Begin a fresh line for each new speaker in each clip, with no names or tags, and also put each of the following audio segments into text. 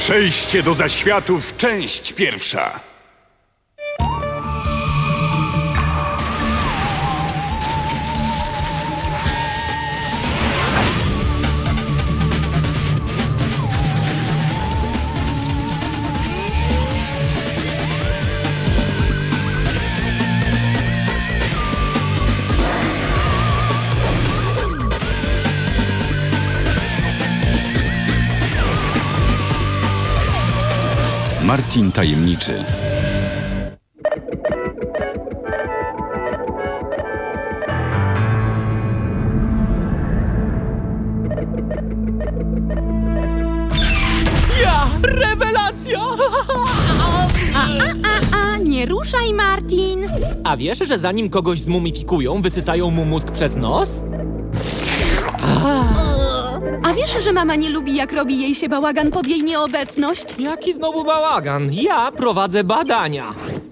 Przejście do zaświatów, część pierwsza.
Martin Tajemniczy.
Rewelacja!
Nie ruszaj, Martin!
A wiesz, że zanim kogoś zmumifikują, wysysają mu mózg przez nos?
A wiesz, że mama nie lubi, jak robi jej się bałagan pod jej nieobecność?
Jaki znowu bałagan? Ja prowadzę badania.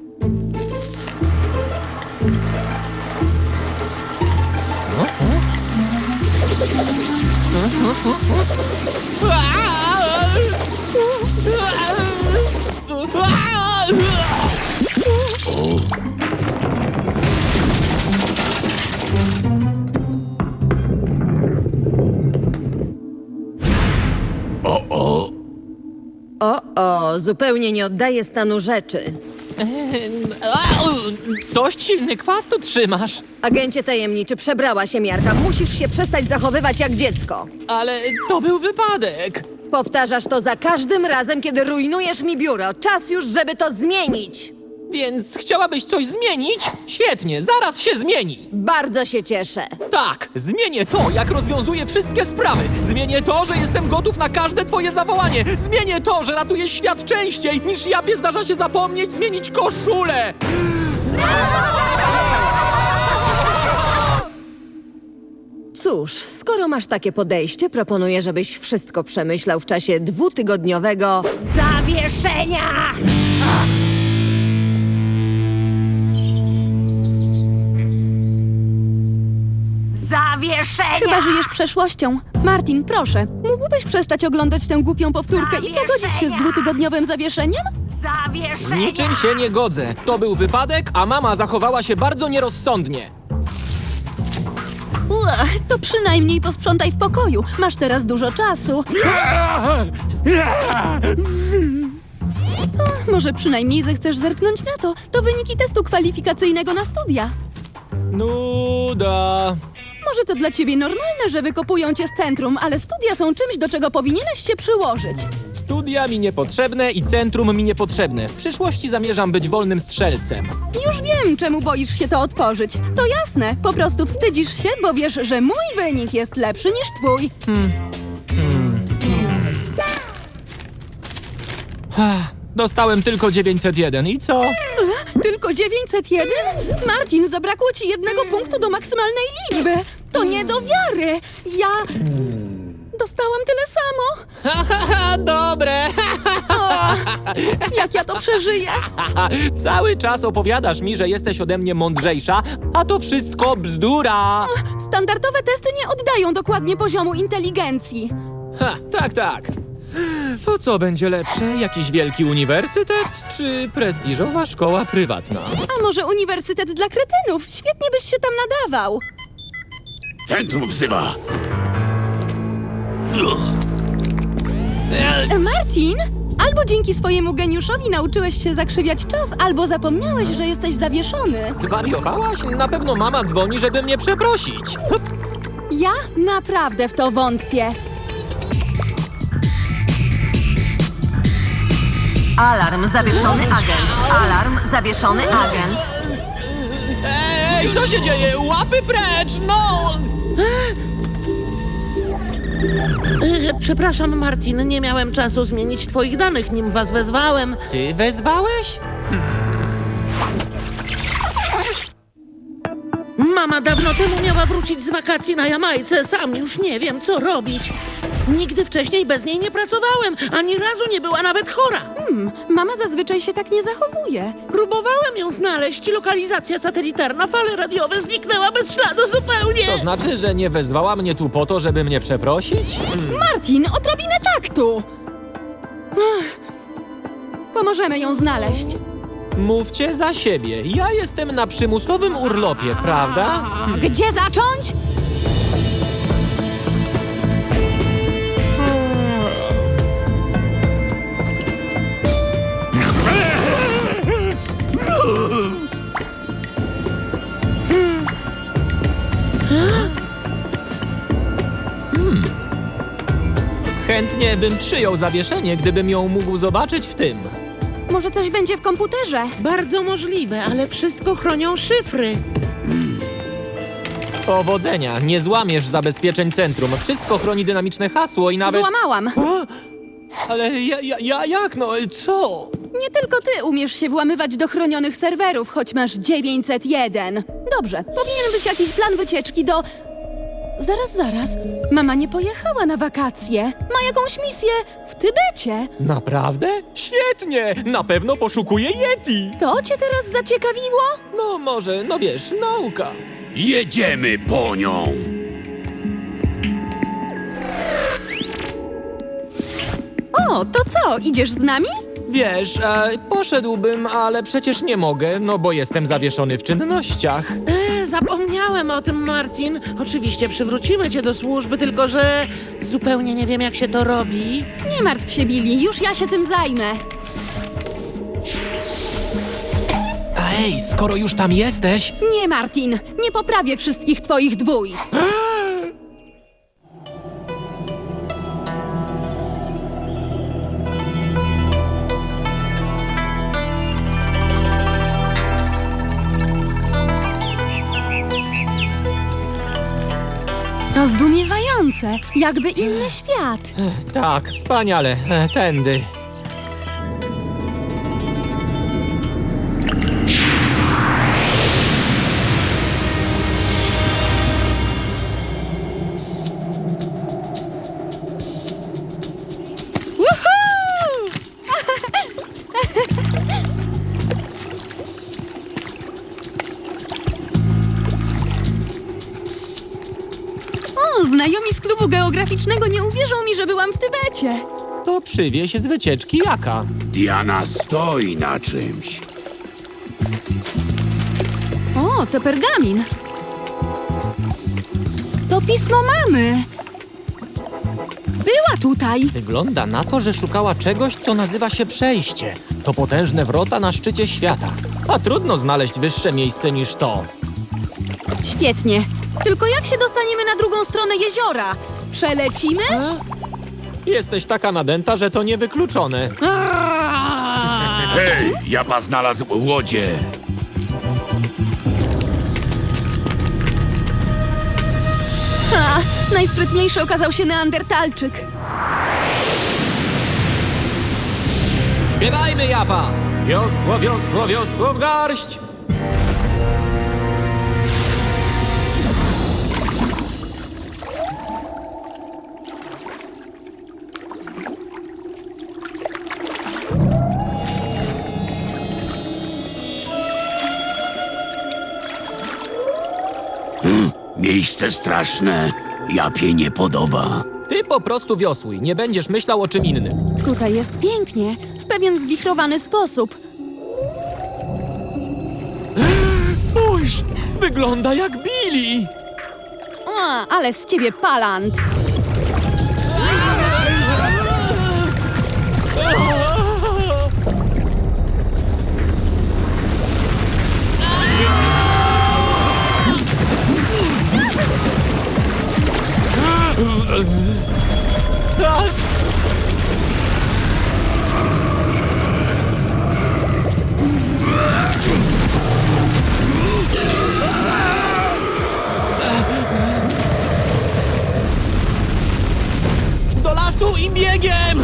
Zupełnie nie oddaje stanu rzeczy.
Dość silny kwas tu trzymasz.
Agencie tajemniczy, przebrała się miarka. Musisz się przestać zachowywać jak dziecko.
Ale to był wypadek.
Powtarzasz to za każdym razem, kiedy rujnujesz mi biuro. Czas już, żeby to zmienić.
Więc chciałabyś coś zmienić? Świetnie, zaraz się zmieni.
Bardzo się cieszę.
Tak, zmienię to, jak rozwiązuję wszystkie sprawy. Zmienię to, że jestem gotów na każde twoje zawołanie. Zmienię to, że ratuję świat częściej, niż Japie zdarza się zapomnieć zmienić koszulę.
Cóż, skoro masz takie podejście, proponuję, żebyś wszystko przemyślał w czasie 2-tygodniowego zawieszenia! Zawieszenia!
Chyba żyjesz przeszłością. Martin, proszę, mógłbyś przestać oglądać tę głupią powtórkę i pogodzić się z 2-tygodniowym zawieszeniem?
Z niczym się nie godzę. To był wypadek, a mama zachowała się bardzo nierozsądnie.
To przynajmniej posprzątaj w pokoju. Masz teraz dużo czasu. Może przynajmniej zechcesz zerknąć na to. To wyniki testu kwalifikacyjnego na studia.
Nuda.
Może to dla ciebie normalne, że wykopują cię z centrum, ale studia są czymś, do czego powinieneś się przyłożyć.
Studia mi niepotrzebne i centrum mi niepotrzebne. W przyszłości zamierzam być wolnym strzelcem.
Już wiem, czemu boisz się to otworzyć. To jasne, po prostu wstydzisz się, bo wiesz, że mój wynik jest lepszy niż twój.
Dostałem tylko 901 i co?
Tylko 901? Martin, zabrakło ci 1 punktu do maksymalnej liczby. To nie do wiary. Ja dostałam tyle samo.
Haha, dobre!
Jak ja to przeżyję?
Cały czas opowiadasz mi, że jesteś ode mnie mądrzejsza, a to wszystko bzdura!
Standardowe testy nie oddają dokładnie poziomu inteligencji.
Tak. To co będzie lepsze? Jakiś wielki uniwersytet, czy prestiżowa szkoła prywatna?
A może uniwersytet dla kretynów? Świetnie byś się tam nadawał.
Centrum wzywa.
Martin? Albo dzięki swojemu geniuszowi nauczyłeś się zakrzywiać czas, albo zapomniałeś, że jesteś zawieszony.
Zwariowałaś? Na pewno mama dzwoni, żeby mnie przeprosić.
Ja naprawdę w to wątpię.
Alarm, zawieszony agent. Alarm, zawieszony agent.
Ej, co się dzieje? Łapy precz, no!
Przepraszam, Martin, nie miałem czasu zmienić twoich danych, nim was wezwałem.
Ty wezwałeś?
Mama dawno temu miała wrócić z wakacji na Jamajce. Sam już nie wiem, co robić. Nigdy wcześniej bez niej nie pracowałem. Ani razu nie była nawet chora.
Mama zazwyczaj się tak nie zachowuje.
Próbowałem ją znaleźć. Lokalizacja satelitarna, fale radiowe zniknęła bez śladu zupełnie.
To znaczy, że nie wezwała mnie tu po to, żeby mnie przeprosić?
Martin, odrobinę taktu! Pomożemy ją znaleźć.
Mówcie za siebie. Ja jestem na przymusowym urlopie, prawda?
Gdzie zacząć?
Chętnie bym przyjął zawieszenie, gdybym ją mógł zobaczyć w tym.
Może coś będzie w komputerze?
Bardzo możliwe, ale wszystko chronią szyfry.
Powodzenia, nie złamiesz zabezpieczeń centrum. Wszystko chroni dynamiczne hasło i nawet...
Złamałam.
Ale jak no, co?
Nie tylko ty umiesz się włamywać do chronionych serwerów, choć masz 901. Dobrze, powinien być jakiś plan wycieczki do... Zaraz. Mama nie pojechała na wakacje. Ma jakąś misję w Tybecie.
Naprawdę? Świetnie! Na pewno poszukuje Yeti!
To cię teraz zaciekawiło?
No może, no wiesz, nauka.
Jedziemy po nią.
O, to co, idziesz z nami?
Wiesz, poszedłbym, ale przecież nie mogę, no bo jestem zawieszony w czynnościach.
Zapomniałem o tym, Martin. Oczywiście przywrócimy cię do służby, tylko że zupełnie nie wiem, jak się to robi.
Nie martw się, Billy, już ja się tym zajmę.
Ej, skoro już tam jesteś...
Nie, Martin, nie poprawię wszystkich twoich dwój. To zdumiewające, jakby inny świat.
Tak, wspaniale, tędy.
Woohoo! O, znajomi z klubu geograficznego nie uwierzą mi, że byłam w Tybecie.
To przywieź z wycieczki jaka?
Diana stoi na czymś.
O, to pergamin. To pismo mamy. Była tutaj.
Wygląda na to, że szukała czegoś, co nazywa się przejście. To potężne wrota na szczycie świata. A trudno znaleźć wyższe miejsce niż to.
Świetnie. Tylko jak się dostaniemy na drugą stronę jeziora? Przelecimy?
Jesteś taka nadęta, że to niewykluczone.
Hej, Japa znalazł łodzie.
Ha, najsprytniejszy okazał się Neandertalczyk.
Śpiewajmy, Japa! Wiosło, wiosło, wiosło w garść!
Miejsce straszne. Japie nie podoba.
Ty po prostu wiosłuj, nie będziesz myślał o czym innym.
Tutaj jest pięknie, w pewien zwichrowany sposób.
Spójrz! Wygląda jak Billy!
A, ale z ciebie palant.
Do lasu i biegiem!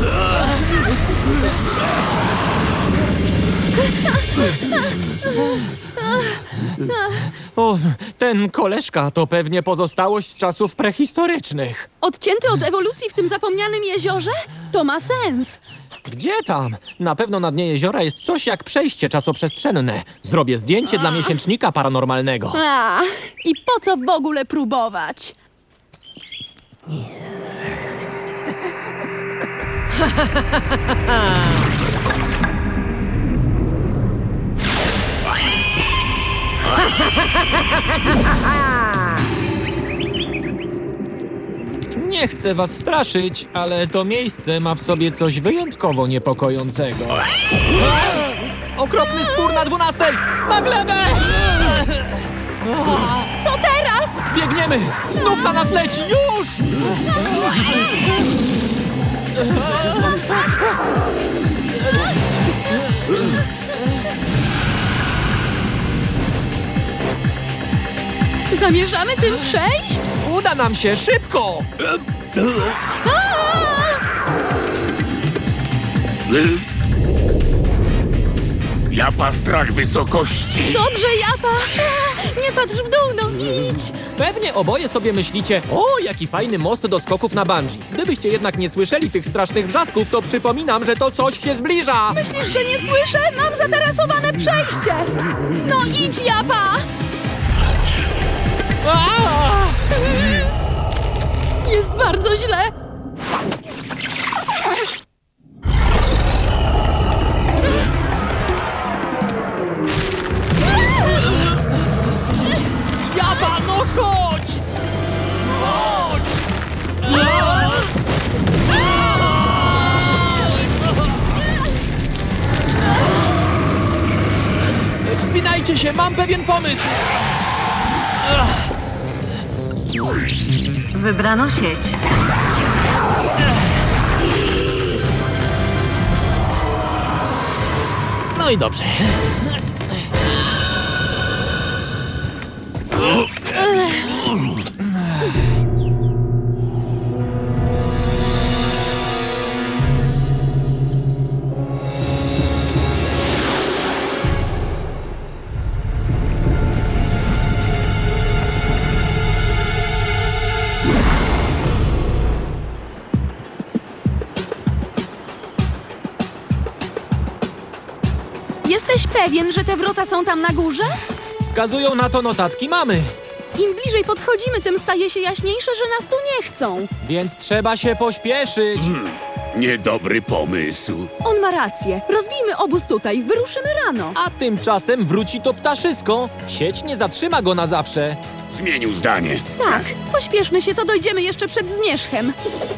O, ten koleżka to pewnie pozostałość z czasów prehistorycznych.
Odcięty od ewolucji w tym zapomnianym jeziorze? To ma sens.
Gdzie tam? Na pewno na dnie jeziora jest coś jak przejście czasoprzestrzenne. Zrobię zdjęcie dla miesięcznika paranormalnego.
A, i po co w ogóle próbować?
Nie chcę was straszyć, ale to miejsce ma w sobie coś wyjątkowo niepokojącego. Okropny stwór na 12! Na glebę!
Co teraz?
Biegniemy! Znów na nas leci! Już!
Zamierzamy tym przejść?
Uda nam się! Szybko!
Japa strach wysokości.
Dobrze, Japa! Nie patrz w dół, no idź!
Pewnie oboje sobie myślicie, o, jaki fajny most do skoków na bungee. Gdybyście jednak nie słyszeli tych strasznych wrzasków, to przypominam, że to coś się zbliża.
Myślisz, że nie słyszę? Mam zatarasowane przejście! No idź, Japa!
Aaa!
Jest bardzo źle!
Japa, no chodź! Chodź! Wspinajcie się, mam pewien pomysł!
Wybrano sieć.
No i dobrze.
Jesteś pewien, że te wrota są tam na górze?
Wskazują na to notatki mamy,
Im bliżej podchodzimy, tym staje się jaśniejsze, że nas tu nie chcą.
więc trzeba się pośpieszyć.
Niedobry pomysł.
On ma rację. Rozbijmy obóz tutaj, wyruszymy rano.
A tymczasem wróci to ptaszysko. Sieć nie zatrzyma go na zawsze.
Zmienił zdanie.
Tak, pośpieszmy się, to dojdziemy jeszcze przed zmierzchem.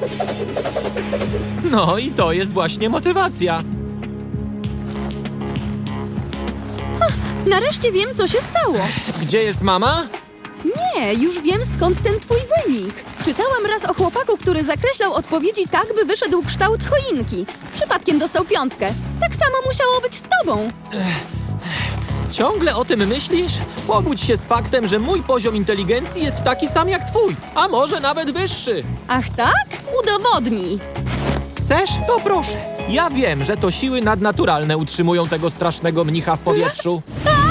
No i to jest właśnie motywacja.
Nareszcie wiem, co się stało.
Gdzie jest mama?
Nie, już wiem, skąd ten twój wynik. Czytałam raz o chłopaku, który zakreślał odpowiedzi tak, by wyszedł kształt choinki. Przypadkiem dostał 5. Tak samo musiało być z tobą.
Ciągle o tym myślisz? Pogódź się z faktem, że mój poziom inteligencji jest taki sam jak twój, a może nawet wyższy.
Ach tak? Udowodnij.
Chcesz? To proszę. Ja wiem, że to siły nadnaturalne utrzymują tego strasznego mnicha w powietrzu.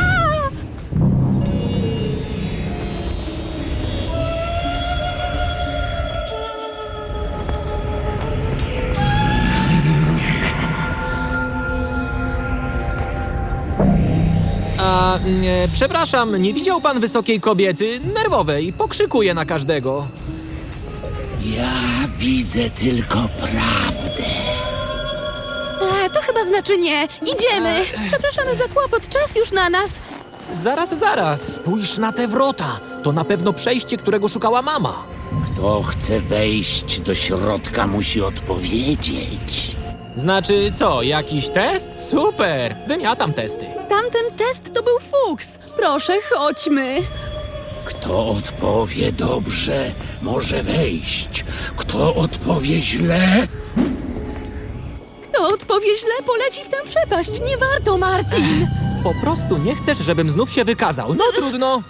Przepraszam, nie widział pan wysokiej kobiety, nerwowej, pokrzykuje na każdego.
Ja widzę tylko prawdę.
To chyba znaczy nie. Idziemy. Przepraszamy za kłopot, czas już na nas.
Zaraz, spójrz na te wrota. To na pewno przejście, którego szukała mama.
Kto chce wejść do środka, musi odpowiedzieć.
Znaczy co, jakiś test? Super, wymiatam testy.
Tamten test to był fuks. Proszę, chodźmy.
Kto odpowie dobrze, może wejść. Kto odpowie źle,
Kto odpowie źle, poleci w tę przepaść. Nie warto, Martin.
Po prostu nie chcesz, żebym znów się wykazał. No trudno.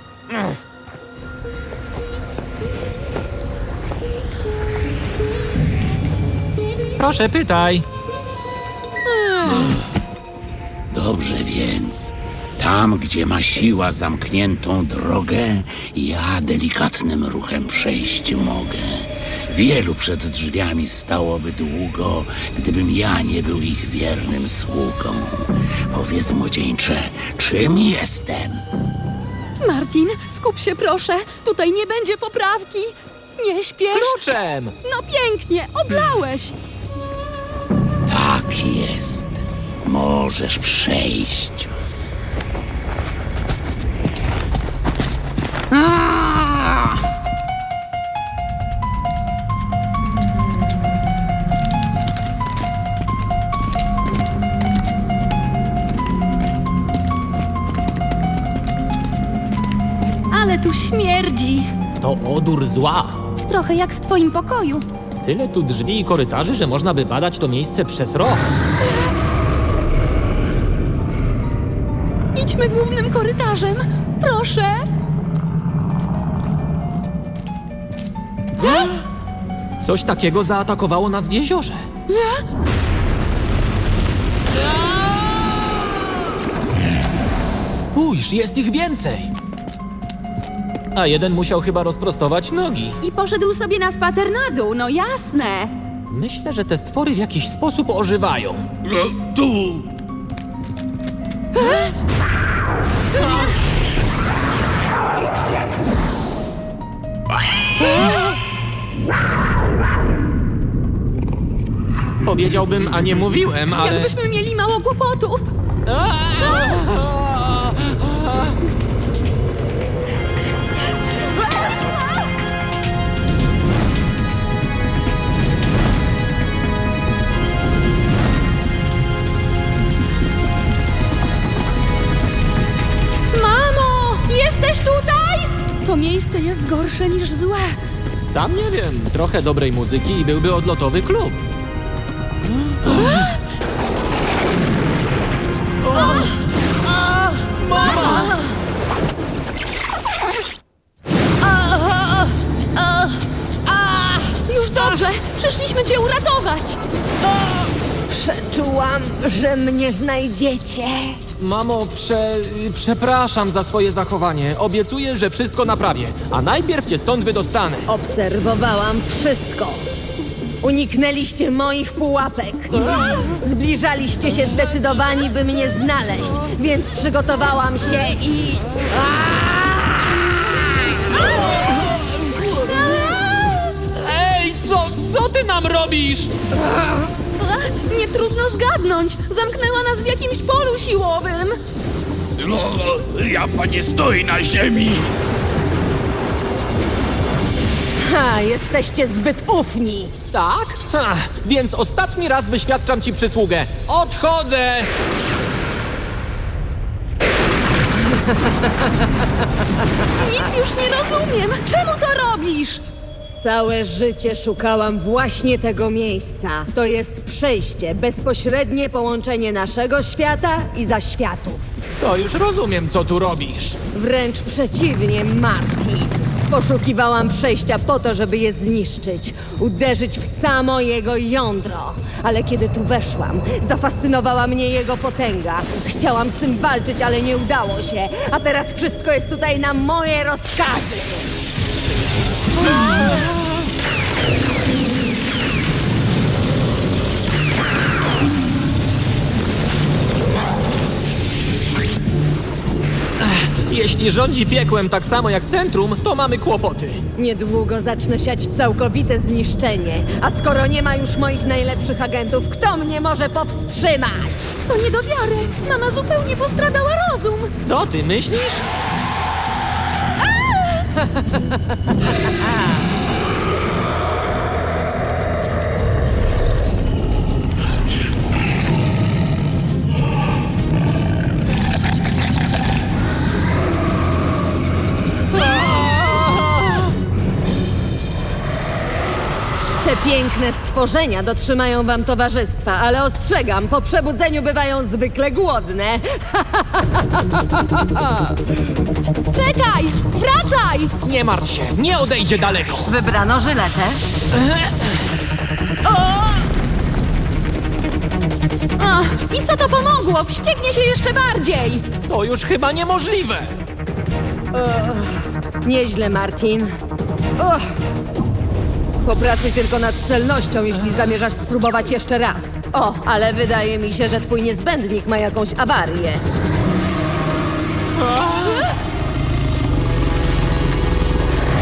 Proszę, pytaj.
Dobrze więc, tam gdzie ma siła zamkniętą drogę, ja delikatnym ruchem przejść mogę. Wielu przed drzwiami stałoby długo, gdybym ja nie był ich wiernym sługą. Powiedz, młodzieńcze, czym jestem?
Martin, skup się proszę. Tutaj nie będzie poprawki. Nie śpiesz.
Kluczem!
No pięknie, oblałeś.
możesz przejść.
Ale tu śmierdzi.
To odór zła.
Trochę jak w twoim pokoju.
Tyle tu drzwi i korytarzy, że można by badać to miejsce przez rok.
Idźmy głównym korytarzem. Proszę.
Coś takiego zaatakowało nas w jeziorze. Spójrz, jest ich więcej. A jeden musiał chyba rozprostować nogi.
I poszedł sobie na spacer na dół, no jasne.
Myślę, że te stwory w jakiś sposób ożywają.
Tu!
Powiedziałbym, a nie mówiłem, ale...
Jakbyśmy mieli mało kłopotów. Mamo, jesteś tutaj? To miejsce jest gorsze niż złe.
Sam nie wiem, trochę dobrej muzyki i byłby odlotowy klub.
Już dobrze, przyszliśmy cię uratować.
Przeczułam, że mnie znajdziecie.
Mamo, przepraszam za swoje zachowanie. Obiecuję, że wszystko naprawię. A najpierw cię stąd wydostanę.
Obserwowałam wszystko. Uniknęliście moich pułapek. Zbliżaliście się zdecydowani, by mnie znaleźć, więc przygotowałam się i...
Ej, co ty nam robisz?
Nie trudno zgadnąć. Zamknęła nas w jakimś polu siłowym.
Japa nie stoi na ziemi!
Ha, jesteście zbyt ufni.
Tak? Ha, więc ostatni raz wyświadczam ci przysługę. Odchodzę!
Nic już nie rozumiem. Czemu to robisz?
Całe życie szukałam właśnie tego miejsca. To jest przejście, bezpośrednie połączenie naszego świata i zaświatów.
To już rozumiem, co tu robisz.
Wręcz przeciwnie, Martin. Poszukiwałam przejścia po to, żeby je zniszczyć, uderzyć w samo jego jądro. Ale kiedy tu weszłam, zafascynowała mnie jego potęga. Chciałam z tym walczyć, ale nie udało się. A teraz wszystko jest tutaj na moje rozkazy.
Jeśli rządzi piekłem tak samo jak centrum, to mamy kłopoty.
Niedługo zacznę siać całkowite zniszczenie. A skoro nie ma już moich najlepszych agentów, kto mnie może powstrzymać?
To nie do wiary. Mama zupełnie postradała rozum.
Co ty myślisz?
Te piękne stworzenia dotrzymają wam towarzystwa, ale ostrzegam, po przebudzeniu bywają zwykle głodne.
Czekaj! Wracaj!
Nie martw się, nie odejdzie daleko.
Wybrano żyletę.
I co to pomogło? Wścieknie się jeszcze bardziej.
To już chyba niemożliwe.
Nieźle, Martin. Uch. Popracuj tylko nad celnością, jeśli zamierzasz spróbować jeszcze raz. O, ale wydaje mi się, że twój niezbędnik ma jakąś awarię.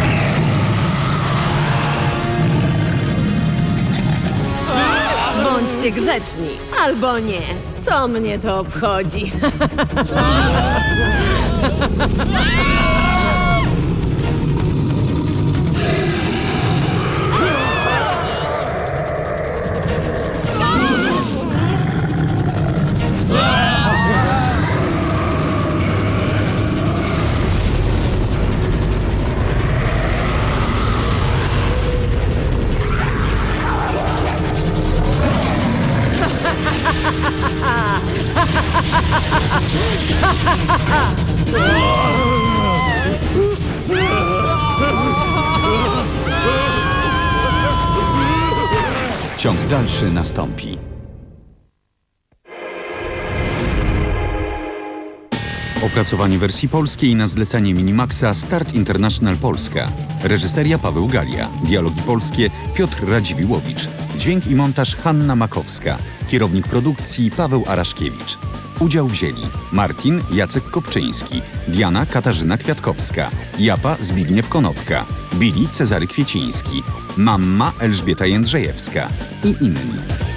Bądź Bądźcie grzeczni. Albo nie. Co mnie to obchodzi?
Ciąg dalszy nastąpi. Opracowanie wersji polskiej na zlecenie Minimaxa Start International Polska. Reżyseria Paweł Galia. Dialogi polskie Piotr Radziwiłowicz. Dźwięk i montaż Hanna Makowska. Kierownik produkcji Paweł Araszkiewicz. Udział wzięli Martin Jacek Kopczyński, Diana Katarzyna Kwiatkowska, Japa Zbigniew Konopka, Billy Cezary Kwieciński, Mamma Elżbieta Jędrzejewska i inni.